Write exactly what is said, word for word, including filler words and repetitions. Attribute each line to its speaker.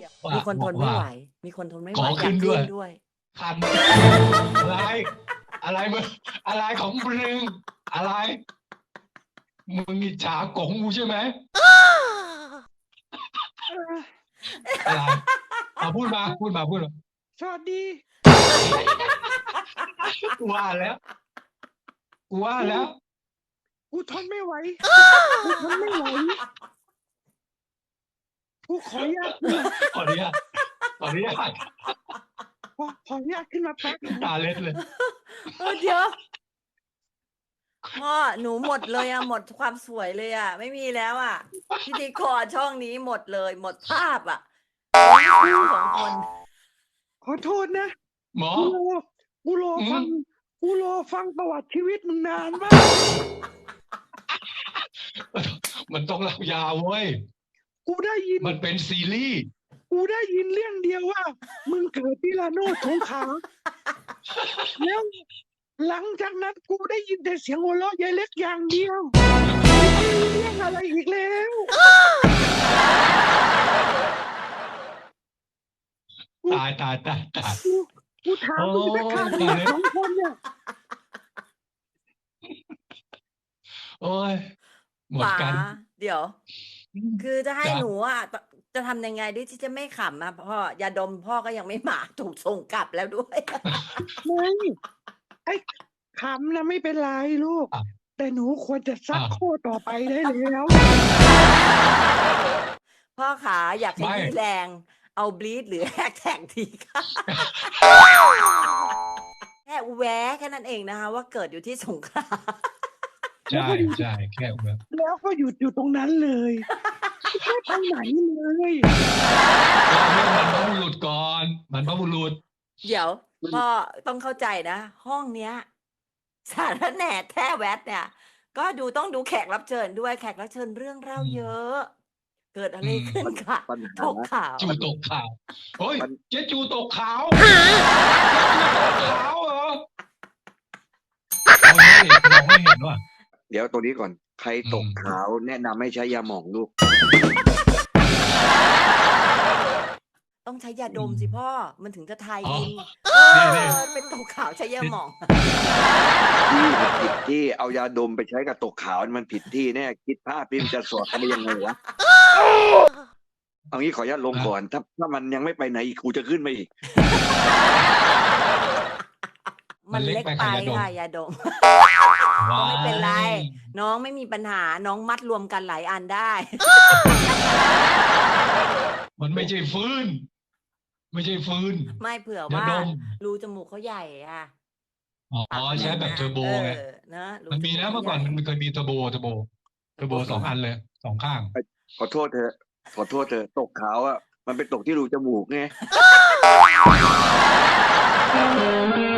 Speaker 1: ว่า
Speaker 2: มีคนทนไม่
Speaker 1: ว่า
Speaker 2: ไหว มีคนทนไม่ไห
Speaker 1: ข
Speaker 2: ว
Speaker 1: อ
Speaker 2: อยา
Speaker 1: ขึ้
Speaker 2: ก
Speaker 1: น
Speaker 2: ขึ
Speaker 1: ด้
Speaker 2: ้
Speaker 1: วย
Speaker 2: นด้วย
Speaker 1: คัน อะไร อะไรมึง อะไรของมึง อะไร มึงอิจฉากงกูใช่ไหม? อะไร อาพูดมา พูดมา พูดมา
Speaker 3: สวัสดี
Speaker 1: กูว่าแล้ว กูว่า
Speaker 3: กู
Speaker 1: แล้ว
Speaker 3: กูทนไม่ไหว กูทนไม่ไหว กูขออนุญาตขึ้นมา
Speaker 1: ขออนุญาต ขออนุญาต
Speaker 3: ขอ ขออนุญาตขึ้นมาแป๊บหนึ่ง
Speaker 1: ตาเล็ดเลย
Speaker 2: เออ เดี๋ยว พ่อ หนูหมดเลยอะ หมดความสวยเลยอะ ไม่มีแล้วอะ พิธีกรช่องนี้หมดเลย หมดภาพอะเหลือคู่ สอง คน
Speaker 3: ขอโทษนะ
Speaker 1: หมอ
Speaker 3: กูรอ กูรอ
Speaker 1: อื
Speaker 3: ฟัง
Speaker 1: ม
Speaker 3: กูรอฟังประวัติชีวิตมึงนานมาก
Speaker 1: มันต้องเล่ายาวเว้ย
Speaker 3: กูได้ยิน
Speaker 1: มันเป็นซีรีส์
Speaker 3: กูได้ยินเรื่องเดียวว่า มึงเกิดที่ระโนด สงขลา แล้วหลังจากนั้นกูได้ยินแต่เสียงหัวเราะยายเล็กอย่างเดียว ไม่มีเรื่องอะไรอีกแล้ว กู
Speaker 1: ตาย ตาย ตาย ตาย
Speaker 3: กู กูถา
Speaker 1: โอ
Speaker 3: มมึงสักคำ
Speaker 1: ้
Speaker 3: มึ
Speaker 1: ตาง ยแล้ว
Speaker 3: สองคนเนี่ย
Speaker 1: โอ๊ย หมด
Speaker 2: ป๋า
Speaker 1: กัน
Speaker 2: เดี๋ยว
Speaker 1: อืม
Speaker 2: คือจะให้
Speaker 1: จ๊ะ
Speaker 2: หนูอะ ต จะทำยังไงดีที่จะไม่ขำอะพ่อ ยาดมพ่อก็ยังไม่มา ถูกส่งกลับแล้วด้วย
Speaker 3: ไม่ ไอ้ขำน่ะไม่เป็นไรลูก
Speaker 1: อ้าว
Speaker 3: แต่หนูควรจะซั
Speaker 1: อ้า
Speaker 3: ก
Speaker 1: ว
Speaker 3: ข้อต่อไปได้แล้ว
Speaker 2: พ่อขาอยากข
Speaker 1: ไม่
Speaker 2: ยี้แรง เอา bleach หรือ hashtag ดีคะ แค่แว้แค่นั้นเองนะคะว่าเกิดอยู่ที่สงขลา
Speaker 1: ใช่ ใช่ แค่แบบ
Speaker 3: แล้วก็หยุดอยู่ตรงนั้นเลย ไม่ไปไหนเลย
Speaker 1: เล่าเรื่องบรรพบุรุษก่อน บรรพบุรุษ
Speaker 2: เดี๋ยว
Speaker 3: มัน
Speaker 2: พ่อต้องเข้าใจนะ ห้องเนี้ย สาระแหน่แท้แวดเนี่ย ก็ดูต้องดูแขกรับเชิญด้วย แขกรับเชิญเรื่องเล่า
Speaker 1: อืม
Speaker 2: เยอะ เกิดอะ
Speaker 1: อื
Speaker 2: ไร
Speaker 1: ม
Speaker 2: ขึ้น
Speaker 3: ปัญ
Speaker 2: ค่ะ
Speaker 3: ปัญ
Speaker 2: ต
Speaker 3: หา
Speaker 2: กข่าว
Speaker 1: จูตกข่าว เฮ้ย
Speaker 3: ปัญ
Speaker 1: เจ๊จูตกขาว เจ๊จูตกขาวเหรอ? เราไม่ เราไม่เห็นว่ะ
Speaker 4: เดี๋ยวตรงนี้ก่อน ใคร
Speaker 1: อื
Speaker 4: ตก
Speaker 1: ม
Speaker 4: ขาวแนะนำให้ใช้ยาหม่องลูก
Speaker 2: ต้องใช้ยา
Speaker 1: อื
Speaker 2: ดม
Speaker 1: ม
Speaker 2: สิพ่อ มันถึงจะทาย
Speaker 1: อ๋อ
Speaker 2: อิน เอ
Speaker 1: นี่
Speaker 2: อ
Speaker 1: ๆ
Speaker 2: เป็นตกขาวใช้ยา
Speaker 1: นี่
Speaker 2: หม่อง
Speaker 4: ที่มันผิดที่ เอายาดมไปใช้กับตกขาวมันผิดที่แน่ คิดภาพดิมันจะสอดกันได้ยังไงวะ? เอางี้ขออนุญาตลง
Speaker 1: อา
Speaker 4: ก่อน ถ้า ถ้ามันยังไม่ไปไหนอีก กูจะขึ้นมาอีก
Speaker 2: ม
Speaker 1: มั
Speaker 2: ั
Speaker 1: น
Speaker 2: น
Speaker 1: เล็ก
Speaker 2: เล็ก
Speaker 1: ไป
Speaker 2: ไป
Speaker 1: ค่ะยาดม
Speaker 2: ค่ะยาดม
Speaker 1: ว้า
Speaker 2: ไม่เป็นไร
Speaker 1: ย
Speaker 2: น้องไม่มีปัญหา น้องมัดรวมกันหลายอันได้
Speaker 1: มันไม่ใช่ฟืน ไม่ใช่ฟืน
Speaker 2: ไม่ เผื่อย
Speaker 1: า
Speaker 2: ว่า
Speaker 1: ดม
Speaker 2: รูจมูกเขาใหญ่อะ
Speaker 1: อ๋อ
Speaker 2: ปากมัน
Speaker 1: ใช้แบบ
Speaker 2: นะ
Speaker 1: เทอร์โบ
Speaker 2: เอ
Speaker 1: ไง
Speaker 2: อ เนาะ รู
Speaker 1: มัน
Speaker 2: จ
Speaker 1: มี
Speaker 2: มูก
Speaker 1: นะ
Speaker 2: เขา
Speaker 1: เมื่อ
Speaker 2: ให
Speaker 1: ก่อ
Speaker 2: ญ่
Speaker 1: นมันเคยมีเทอร์โบ เทอร์โบ เทอร์โบ สอง อันเลย สอง ข้าง
Speaker 4: ไอ้ ขอโทษเถอะ ขอโทษเถอะ ตกขาวอะ มันไปตกที่รูจมูกไง